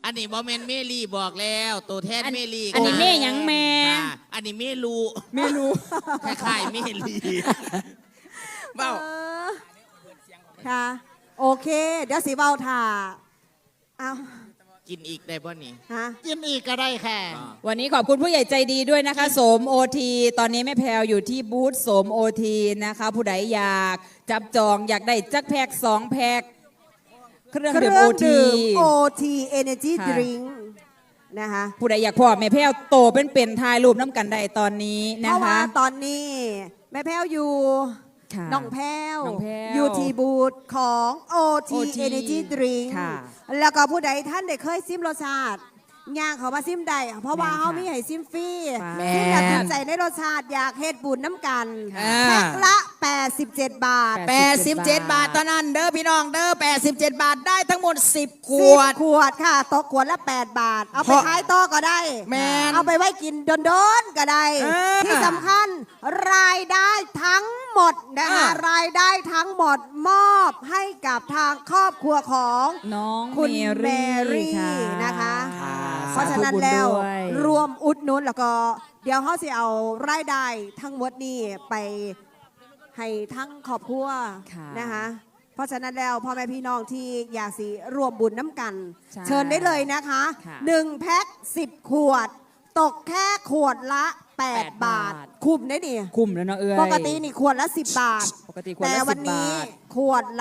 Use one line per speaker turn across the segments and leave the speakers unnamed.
อันนี้บอมเมนเมลี่บอกแล้วตัวแทนเมลี่
อันนี้เมย์หยังแม่
อันนี้เมลู คล้ายๆเมลี่เบ้า
ค่ะโอเค เดี๋ยวสีเบาถ่าเอา
กินอีกได้ป่ะนี่
ฮะ
กินอีกก็ได้ค่ะ
วันนี้ขอบคุณผู้ใหญ่ใจดีด้วยนะคะโสมโอทีตอนนี้แม่แพรวอยู่ที่บูธโสมโอทีนะคะผู้ใดอยากจับจองอยากได้จักแพ็ก2 แพ็กเครื่องดื่มโอที
โอทีเอเนจี
ค่ะ
ดริงนะคะ
ผู้ใดอยากพอแม่แพรวโตเป็นถ่ายรูปน้ำกันได้ตอนนี้
เพ
นะ
ราะว่า
คะ
ตอนนี้แม่แพ้วอยู่
ค่ะ
น้องแพ้ว
น้องแพ้ว
อยู่ที่บูธของ OT
OT
Energy Drink
ค่ะ
แล้วก็ผู้ใดท่านได้เคยซิมรสชาติย่างเขามาซิมได้เพราะว่า
แม่นค่ะ
เขามีให้ซิมฟรี
แม่น
ซิมอยากถูกใจในรสชาติอยากเฮ็ดบุญน้ำกัน
อ่า
แพ็คละ 87 บาท
87 บาทเท่านั้นเด้อพี่น้องเด้อ87 บาทได้ทั้งหมด10 ข
10
วด
ขวดค่ะตกขวดละ 8 บาท เอาไป
เพราะ
ขายต่อก็ได้
แม่น
เอาไปไว้กินโดนๆก็ได้
เออ
ที่สำคัญรายได้ทั้งหมดนะคะ รายได้ทั้งหมดมอบให้กับทางครอบครัวของ
น้อง
คุณ
เม
แม
รี่
รี่
ค่ะ
นะคะ
ค่ะ
เพราะฉะนั้น
ขอบคุณ
แล้ว
ด้วย
รวมอุดหนุนแล้วก็เดี๋ยวเขาจะเอารายได้ทั้งหมดนี้ไปให้ทั้งครอบครัว
ค่ะ
นะคะ เพราะฉะนั้นแล้วพ่อแม่พี่น้องที่อยากสิรวมบุญน้ำกัน
ใช่
เชิญได้เลยนะคะ
ค่ะ
1 แพ็ค10 ขวด ตกแค่ขวดละ 8 บาท คุ้มได้ดิ
คุ้มแล้วเนาะเอ้ย
ปกตินี่ขวดละ 10 บาท
ปกติขวดละ
แต่วันนี้
10 บาท
ขวดละ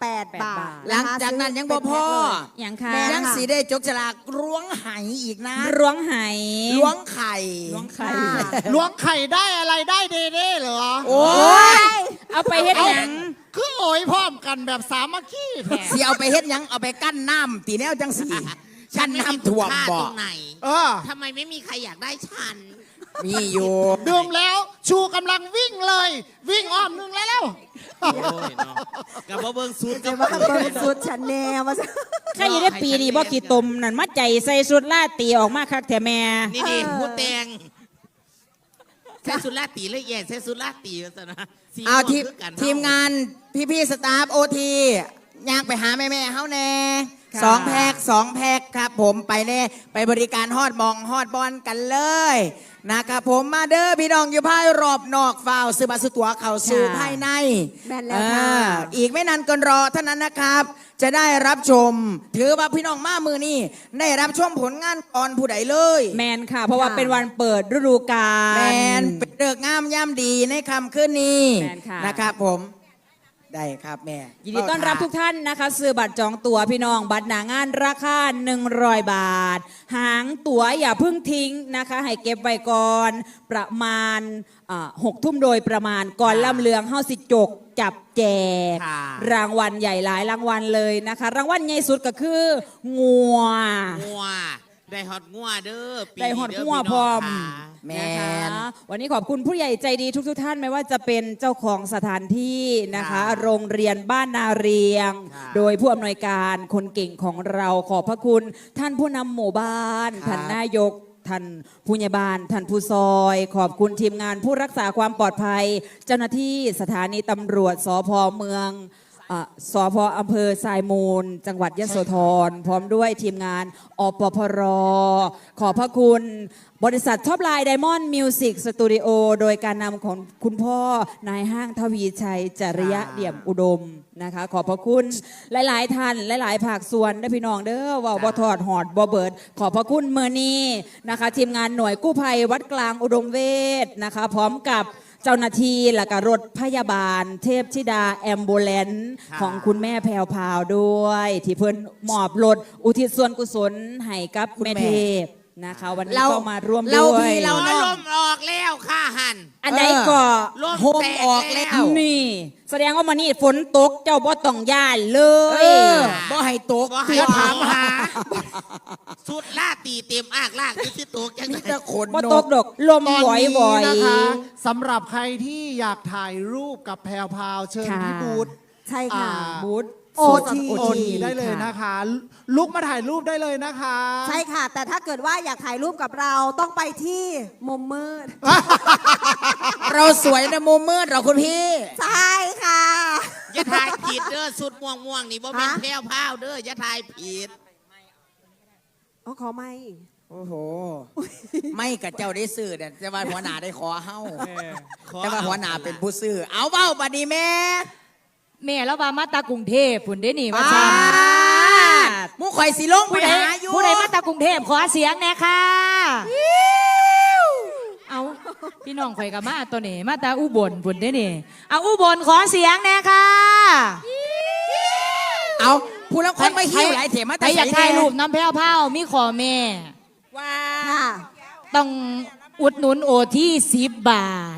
8 บาท
หลังจากนั้นยังบ่พอ
อย่างค่ะ
แม่
ยังสีได้จกฉลากล้วงไหอีกนะ
ล้วงไห
ล้วงไข่
ล้วงไข่
ค่ะ
ล้วงไข่ได้อะไรได้เด้ๆเหรอ
โอ้ย
เอาไปเฮ็ดหยัง
คือโอยพร้อมกันแบบสามัคคีแท้
สิเอาไปเฮ็ดหยังเอาไปกั้นน้ำตีแนวจังสี
ฉัน
กั้น
ไม่มี
น้ำท่วม
ค่า
บ่
ตรงไหน
เออ
ทำไมไม่มีใครอยากได้ฉัน
มีอยู่
ดื่มแล้วชูกำลังวิ่งเลย วิ่งอ้อมหนึ่งแล้ว
โอ้ยเนาะกับว่าเบิ้งซูด
จะว่าเบิ้งสุดฉันแน่ว่าซะ
ใครอยู่ได้ปีนี้บ่ขี้ตมนั่นมาใจใส่สุดล่าตีออกมาคักแท้แม่
นี่ดิผู้แตงใช้สุดลาตีเลยแย่ใช้สุดลาตีซะนะสี
เอา
ม่วง
ทีม
คือกัน
ทีมงานพี่ๆสตาฟโอทีอยากไปหาแม่ๆเฮาแน่
ค่ะ
2 แพ็ค2 แพ็คครับผมไปแน่ไปบริการฮอดมองฮอดบอลกันเลยนะครับผมมาเด้อพี่น้องอยู่ภายรอบนอกฟาวซื้อบัตรซื้อตั๋วเข้าสู่ภายใน
แม่นแล้วค่ะ
อีกไม่นานเกินรอเท่านั้นนะครับ จะได้รับชม ถือว่าพี่น้องมามือนี่ได้รับชมผลงานก่อนผู้ใดเลย
แมนค่ะ เพราะว่าเป็นวันเปิดฤดูกาล
แมนเป็นเลิกษ์งามย่ำดีในคำขึ้นนี้
แม่นค่ะ
นะครับผมได้ครับแม่
ยินดีต้อนรับทุกท่านนะคะซื้อบัตรจองตั๋วพี่น้องบัตรหนางานราคา100 บาท หางตั๋วอย่าเพิ่งทิ้งนะคะ ให้เก็บไว้ก่อนประมาณ6 ทุ่มโดยประมาณก่อนล่ำเลืองเฮาสิจกจับแจก
ค่ะ
รางวัลใหญ่หลายรางวัลเลยนะคะ รางวัลใหญ่สุดก็คืองัว
งัวได้ฮอตงัวเด้อปี
ได้ฮอด
เ
งัวพร้อม
พี่น้งค่ะ
แม
นะคะ
น
วันนี้ขอบคุณผู้ใหญ่ใจดีทุกท่านไม่ว่าจะเป็นเจ้าของสถานที่นะคะ
ค่ะ
โรงเรียนบ้านนาเรียง
ค่ะ
โดยผู้อำนวยการคนเก่งของเราขอบพระคุณ ท่านผู้นำหมู่บ้าน
ครับ
ท่านนายกท่านผู้ใหญ่บ้านท่านผู้ซอย ขอบคุณทีมงานผู้รักษาความปลอดภัย เจ้าหน้าที่สถานีตำรวจสพเมืองสพอำเภอทรายมูล จังหวัดยโสธรพร้อมด้วยทีมงานอปพร ขอบพระคุณ บริษัทท็อปไลน์ไดมอนด์มิวสิกสตูดิโอโดยการนำของคุณพ่อนายห้างทวีชัยจริยะเดี่ยมอุดมนะคะ ขอบพระคุณหลาย ๆ ท่านหลาย ๆ ภาคส่วนได้อพี่น้องเด้อว่าบ่ทอดหอดบ่เบิด ขอบพระคุณเมื่อนี้นะคะ ทีมงานหน่วยกู้ภัยวัดกลางอุดมเวทนะคะ พร้อมกับเจ้าหน้าที่และก็รถพยาบาล เทพธิดาแอมบูเลนซ์
ค่ะ
ของคุณแม่แพรวพราวด้วย ที่เพิ่นมอบรถอุทิศส่วนกุศลให้กับ
คุณแม่
แม่เทพนะคะ วันนี้
เรา
ก็มาร่วม
เรา
ด้วย
พี่เรา
โอ้ยลมออกแล้วค่ะหัน
อันใดก็
ลม
โฮม
แตก
ออกแล้ว
นี่ แสดงว่ามันนี่ฝนตกเจ้าบ่ต้องย่านเล
เอย อบ่ให้ตก
ก็ให้
ตัว
ถามหาสุดลาตีเต็มอากลากอยู่ที่ตัวจัง
มี
ไง
แต่ขน
บ่
น
ต
ก
กดอกลม
ตอน
หวอย
นี้
หวอย
นะคะสำหรับใครที่อยากถ่ายรูปกับแพรวพราวเชิญ
ค่ะ
ที่บูธ
ใช่ค่ะ
บูธ
OT
โอทีได้เลยนะคะ ลุกมาถ่ายรูปได้เลยนะคะ
ใช่ค่ะ แต่ถ้าเกิดว่าอยากถ่ายรูปกับเราต้องไปที่มุมมืด
เราสวยในมุมมืดเราคุณพี่
ใช่ค่ะ
อย่าทายผิดเด้อสุดม่วงนี่บ่แม่น
ฮะ
แพรวพราวเด้ออย่าทายผิด
อ๋อขอไม่
โอ้โห ไม่กับเจ้าได้ซื้อเนี่ยจะว่าหัวหน้าได้ขอเฮ้าแต่ว่าหัวหน้าเป็นผู้ซื้อเอาเบ้าบัดนี้แม่
แม่แล้วว่ามาตากรุงเทพพุ่นได้หนิว่า
ป้า
จ้า
ดหมูข่อยสีลงไป
ผู้ใด
หาอยู่
ผู้ใดมาตากรุงเทพขอเสียงแน่ค่ะเอาพี่น้องข่อยกับมาตัวนี้มาตาอุบลพุ่นได้หนิเอาอุบลขอเสียงแน่ค่ะ
เอาผู้ละคนไม่หิวหลายเถมา
ใครอยากถ่ายรูปน้ำแพ้วเผามีขอแม่
ว่า
ค่ะ
ต้องอุดหนุนโอที่10 บาท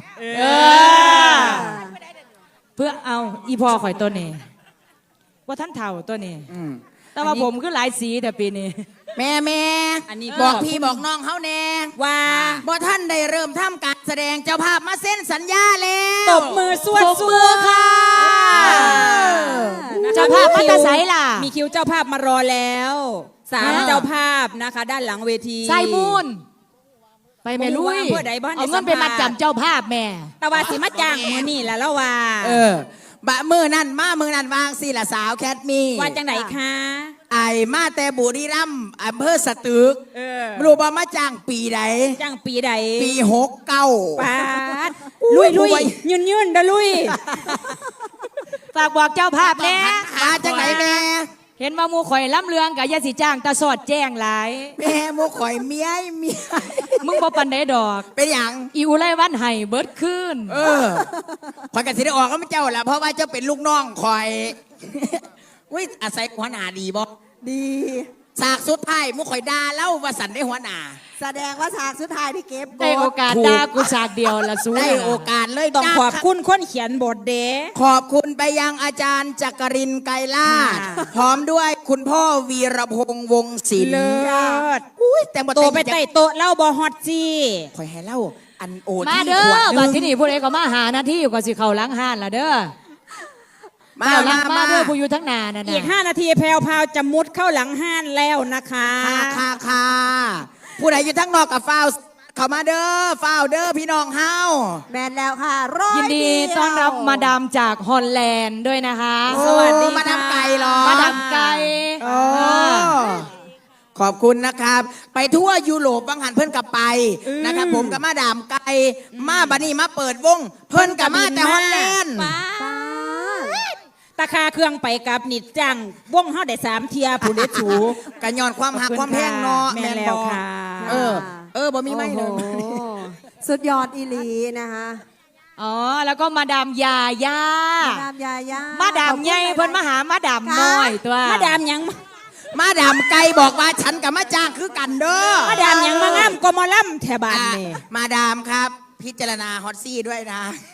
เพื่อเอาอีพอข่อยตัวนี้ว่าท่านเถ่าตัวนี้ แต่ว่าผมคือหลายสีแต่ปีนี้
แม่แม่
อันนี้
บอกพี่บอกน้องเขาแน่
ว่า
บ่ท่านได้เริ่มทำการแสดงเจ้าภาพมาเส้นสัญญาแล้ว
ตบมือสวด
ตบ
ส
มื
ว
อ
ด
ค่ะ
นะคะ
เจ้าภาพมาแตาไสล่ะ
มีคิวเจ้าภาพมารอแล้ว3
อ่า
เจ้าภาพนะคะ ด้านหลังเวที
ไซมูนไปแม่ลุย
บ่รู้ว่าอำเภอใดบ้าน
เอาเงินไปมาจำเจ้าภาพแม่
แต่ว่าสิมาจ้างมือนี่แหละแล้วว่า
บะมือนั่นมามือนั่นวางสิละสาวแคทมี
ว่าจังไหนคะ
ไอมาแต่บุรีรัมย์อำเภอสตึกรู้บ่มาจ้างปีใด
จ้างปีใด
ปี69
ปาดลุยลุยยืนยืนเด้อลุย
ฝากบอกเจ้าภาพแน่
มาจากไหนแม่
เห็นว่าหมูข่อยล้ำเลืองกับยาสีจ้างตาสอดแจ้งหลาย
แม่หมูข่อยเมียเมีย
มึงบ่ปันได้ดอก
เป็นอย่าง
อีอุไรวันไห้เบิดขึ้น
ข่อยกสิได้ออกก็ไม่เจ้าละเพราะว่าเจ้าเป็นลูกน้องข่อย อุ้ยอาศัยหัวหน้าดีบ่
ดี
ฉากสุดท้ายหมูข่อยด่าเล่าว่าสันได้หัวหน้า
แสดงว่าฉากสุดท้ายที่เก็บ
ได้โอกาส
ถูก
ด่ากูฉากเดียวละสู้
ได้โอกาสเลย
ต้อง
จ้า
ขอบคุณคนเขียนบทเด้
ขอบคุณไปยังอาจารย์จักรินทร์ไกรลาด
ค่ะ
พร้อมด้วยคุณพ่อวีรพงษ์วงศิลป์
เลิศ
อุ้ยแต่บ่
โตไป
แต่ง
ไต่โต๊ะเล่าบอฮอตจี
ข่อยให้เล่าอันโอ
มา
ที่
เด้
ขว
อ
ดห
บัด
นึ
ที่
ง
นี่ผู้ใดก็มาหาหน้าที่อยู่ก็สิเข้าล้างห้านละเด้อ
มา
ล้าง
มา
เด้อผู้อยู่ทั้งหนานั่น
อีก
น่ะ
5 นาทีแพรวพราวจะมุดเข้าหลังห้านแล้วนะคะ
ค่ะผู้ใดอยู่ทั้งนอกกับฟ้าวเข้ามาเด้อฟ้าวเด้อพี่น้องเฮา
แมนแล้วค่ะร้อย
ยินดี
เว
ต้อนรับมาดามจากฮอลแลนด์ด้วยนะคะ
โอ้
สวัสดี
มาดาม
ค่ะ
ไก่เหรอ
มาดามไก่
โอ้ขอบคุณนะครับ ไปทั่วยุโรปบางหันเพิ่นกับไปนะครับผมกับมาดามไก่มาบัดนี้มาเปิดวง เพิ่นกับมาแต่ฮอลแลนด์
ป้าตาคาเครื่องไปกับนิดจังวงเฮาได้3 เทียผู้เด็ดสู
กันย้อนความหักความแพงเนาะ
แม่นแล้วค่ะ
บ่มีไม่เลย
โอ้โหสุดยอดอีหลีนะคะ
อ๋อแล้วก็มาดามยาย่า
มาดามยาย่า
มาดามใหญ่เพิ่นมาหามาดามน้อยตัว
มาดามหยัง
มาดามไก่บอกว่าฉันกับมาจ้างคือกันเด้อ
มาดามหยังมางามก็มาล่ำแถบานนี่
มาดามครับ พิจารณาฮอตซี่ด้วยนะ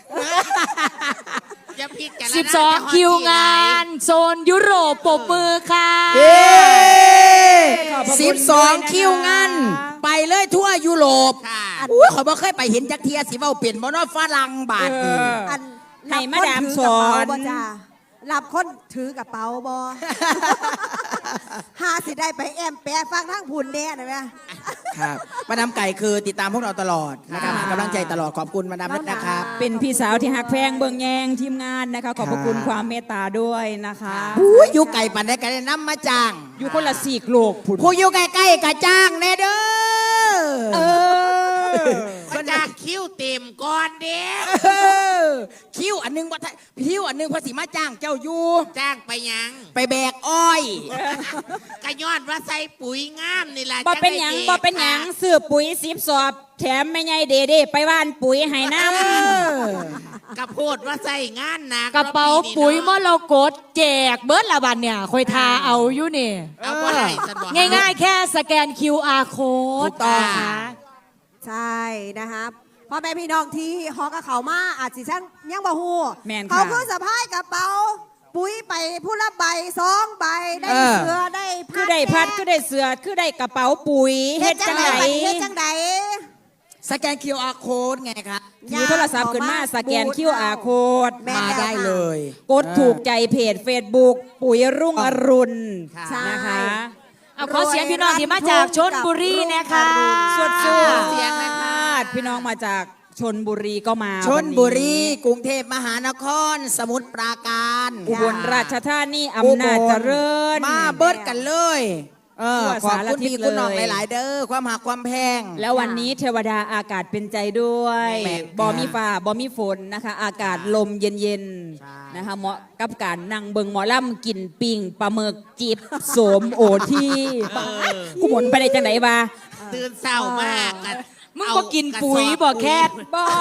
อย่าพิจารณา
12 คิวงานโซนยุโรปปรบมือค่ะ
12 คิวงานไปเลยทั่วยุโรป
ค่ะ
อุ้ยขอยบ่เคยไปเห็นจักเทียสิเว้าเปลี่ยนบ่เนาะฝรั่งบาทนี่
อัน
ให้มาดามส
รับ
อ
คนถืกระเป๋าน บ่จ้ารับคนถือกระเป๋าบ่ หาสิได้ไปแอมแปะฟังทั้งผุนแน่นะแม่
ครับมาดามไก่คือติดตามพวกเราตลอดนะครับให้กำลังใจตลอดขอบคุณมาดามนัทนะครับ
เป็นพี่สาวที่หักแพงเบิ่งแยงทีมงานนะคะ ขอบพระคุณความเมตตาด้วยนะคะ
อุ้ยอยู่ไก่ปันได้กันน้ำมาจ้าง
อยู่คนละ4 โลกผุน
ผู้อยู่ใกล้ๆกับจ้างแน่เด้อ
ก็จากคิ้วเต็มก่อนเด็ก
คิวอันหนึงว่าคิวอันหนึงภาษีมาจ้างเจ้าอยู่
จ้างไปยัง
ไปแบกอ้อย
กระยอดว่าใส่ปุ๋ยงามนี่ล่ะ
บ่เป็นหยังบ่เป็นหยังซื้อปุ๋ย10 สอบ แถมแม่ใหญ่เด้ๆไปว่านปุ๋ยให้น้ำ
กระโพดว่าใส่งานหนัก
กระเป๋าปุ๋ยมรกตแจกเบิร์ดละบันเนี่ยคอยทาเอาอยู่นี่
เอาบ่ได้สะดวก
ง่ายๆ แค่สแกน QR
ถู
code
กต้อง
นะคะ
ใช่นะคะพ่อแม่พี่น้องที่ฮอกกับเขามาอาจสิช่างยังบ่ฮู้
แม่นค่ะ
เขาคือสะพายกระเป๋า ปุ๋ยไปผู้ละใบ2 ใบได้เสือได้พัด
คือได้พัดคือได้เสือคือได้กระเป๋าปุ๋ยเฮ็ดจังได
เฮ็ดจังได
สแกน QR code ไงครับ
ถือโทรศัพท์ขึ้นมาสแกน QR code
แม่
มาได้เลย
กดถูกใจเพจ Facebook ปุ๋ยรุ่งอรุณ
ใช่
นะคะ
เอาขอเสียงพี่น้องที่มาจากชนบุรีนะคะ
สวด
ขอเสียงนะคะ
พี่น้องมาจากชนบุรีก็มา
ชนบุรี
วันนี้
กรุงเทพมหานคร สมุทรปราการ
อุบลราชธานีอำนาจเจริญ
มาเบิดกันเลย
ทั่ว
ขอบ
สาร
คุณ
ทิศ
พี่
เล
คุณน้อง
ย
หลายๆเด้อความหักความแพง
แล้ววันนี้เทวดาอากาศเป็นใจด้วย
แม่น
บอมีฟ้าบอมีฝนนะคะ อากาศลมเย็น
ใช่
ๆนะคะเหมาะกับการนั่งเบิงหมอลำกินปิ่งปลาหมึกจิบโสมโอที่กูหมุนไปได้จังไหนบ้า
ตื่นเศร้ามากกัน
มึงบ่กินปุ๋ยบ่แคท
บอ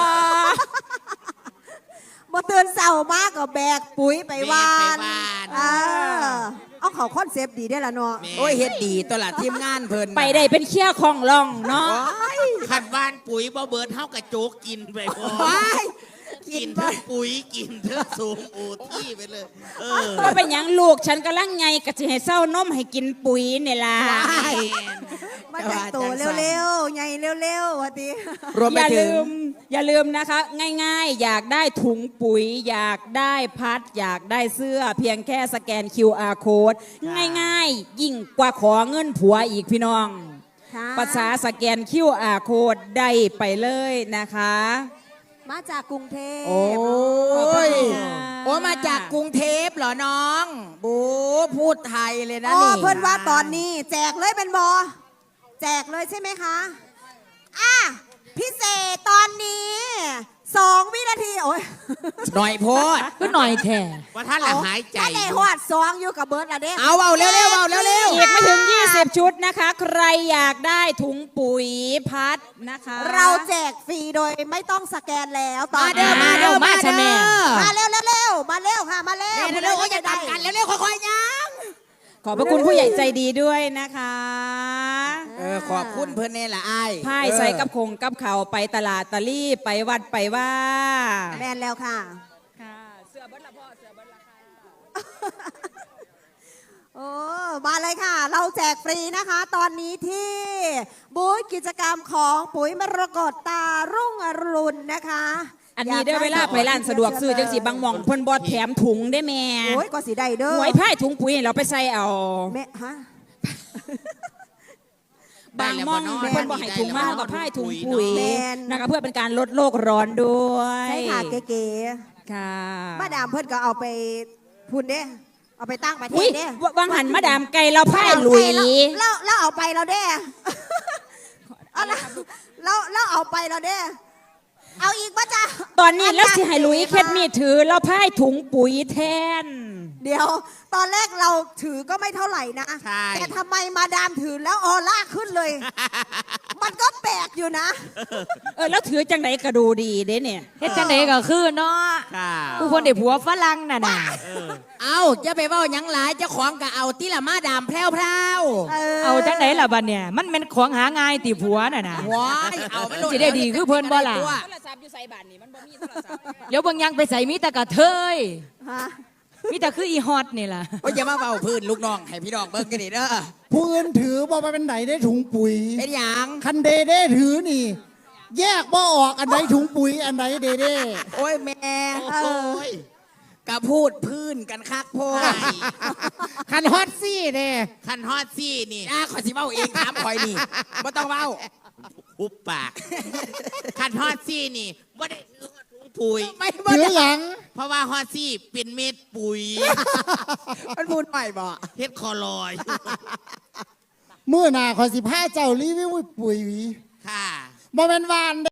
บ่ตื่นเศร้ามากก็แบกปุ๋ยไปวาน
แบกไปวาน
เออเอาเขาคอนเซปต์ดีได้อละเนาะ
แม่
โอ้ยเฮ็ดดีตัวละทีมงานเพิ่น
ไปได้เป็นเขี้ยของล่องเนาะ
ขัดบ้านปุ๋ยบ่เบิร์ดเท่ากับโจ๊กกินไปพอ
ว้าย
กินทั้งปุ๋ยกินทั้งสูงโอที่ไปเลย เออ
ก็เป็นหยังลูกฉันกำลังไงกะจะให้เศร้านมให้กินปุ๋ยเนี่ยล่ะ
มาแต่งตัวเร็วๆใหญ่เร็วๆวะติ
รวม
อ
ไป
ย่า
ถึ
ลื
ง
มอย่าลืมนะคะ ง่ายๆ อยากได้ถุงปุ๋ย อยากได้พัด อยากได้เสื้อ เพียงแค่สแกน QR code ง่ายๆ ยิ่งกว่าขอเงินผัวอีกพี่น้อง
ค่ะ
ภาษาสแกน QR code ได้ไปเลยนะคะ
มาจากกรุงเทพ
โอ้
ขอบคุณ
ย
ค่ะ
โอ้มาจากกรุงเทพเหรอน้องบูพูดไทยเลยนะ
อ๋อ
นี่
เพื่อนว่าตอนนี้แจกเลยเป็นบอแจกเลยใช่ไหมคะอ่ะพิเศษตอนนี้2 วินาทีโอ้ย
หน่อยโพด
ก็หน่อยแท้
ว่าท่านละหายใจ
ถ้าได้หอด2อยู่กับเบิร์ดละเด้
เอาเร็วๆเอาเร็ว
อีกไม่ถึง 20 ชุดนะคะ ใครอยากได้ถุงปุ๋ยพัดนะคะ
เราแจกฟรีโดยไม่ต้องสแกนแล้วตอน
มาเด้อมาเด้อมาเด้อ
มาเร็วเร็วเร็วมาเร็วค่ะมาเร็ว
เร็วๆโอ้ยอย่าดันกันเร็วๆค่อยๆยัง
ขอบพระคุณผู้ใหญ่ใจดีด้วยนะคะ
ขอบคุณเพื่อนนี่แหละไอ้าย
พายใส่กับคงกับเขาไปตลาดตะลี่ไปวัดไปว่า
แมนแล้วค่ะ
ค่ะเสือเบิ้ลละพ่อเสือเบิ้ลละค่ะ
โอ้มาเลยค่ะ เราแจกฟรีนะคะ ตอนนี้ที่บูธกิจกรรมของปุ๋ยมรกตตารุ่งอรุณนะคะ
อันนี้ได้เวลาไปร้านสะดวกซื้อจังสีบางหม่องเพิ่นบอแถมถุงได้แม่
โอ้ยก็สีได้เด้อ
หวยพายถุงปุ๋ยให้เราไปใส่เอา
แม่ฮะ
บางหม่อง
ได้แล้วบ่
เพิ่นบอกให้ถุงมากกับพายถุงปุ๋ย
แม่น
นะคะเพื่อเป็นการลดโลกร้อนด้วย
ใช่ค่ะเก๋
ค่ะ
ๆมาดามเพิ่นก็เอาไปพูนเด้เอาไปตั้งประเท
อุ้ย
ศเด้
วังหันมาดามไก่เราพายหลุย
แล้วเอาไปเราเด้ เอาละแล้วเอาไปเราเด้ เอาอีกปะจ๊ะ
ตอนนี้แล้วสิให้หลุยเคล็ดมีดถือเราพายถุงปุ๋ยแทน
เดี๋ยว ตอนแรกเราถือก็ไม่เท่าไหร่นะ
ใช่
แต่ทำไมมาดามถือแล้วออร่าขึ้นเลย มันก็แปลกอยู่นะ
แล้วถือจังไหนก็ดูดีเด้เนี่ย
เฮ็ดจังไดก็คือเนาะ
ค่ะ
ผู้คนได้ผัวฝรั่งน่ะน่ะ
เอาจะไปเว่าหยังหลายเจ้าของก็เอาที่ละมาดามแพรว
เอาจังไดล่ะบัดเนี่ยมันเป็นของหาง่ายติผัวน่ะน่ะ
ๆว้ายเอามันโล
สิได้ดีคือเพิ่นบ่ล่ะ
โทรศัพท์อยู่ใส่บาทนี่มันบ่มีโทรศัพท์
เดี๋ยวเบางยังไปใส่มีแต่กระเทย
ฮะ
มีแต่คืออีฮอตนี่ล่ะ
โอ้ยอย่ามาเบาพื้นลูกน้องให้พี่น้องเบิ่งกันดิเด้อ
ผู้อื่นถือบ่ไปเป็นไหนได้ถุงปุ๋ย
เป็นหยัง
คันเดเด้ถือนี่ แยกบ่ออกอันไหนถุงปุ๋ยอันไหนเดเด้
โอ้ยแม่
โอ้ย
กะพูดพื้นกันคักโพด
ใช่
คันฮอตซี่เด้
คันฮอดซี่นี่
ขอยสิเว้าเองถามคอยนี่บ่ต้องเว้า
หุบปาก คันฮอดซี่นี่ว่าได้ถือฮอดถุงปุ๋ย
ไม่บ่
ถือ
ได้
หยัง
เพราะว่าฮอดซี่เป็นเม็ดปุ๋ย
มันพูดหน่อยบ่
เฮ็ดคอลอย
มื้อหน้าขอยสิพาเจ้ารีวิวปุ๋ย
ค่ะ
บ่แม่นวาน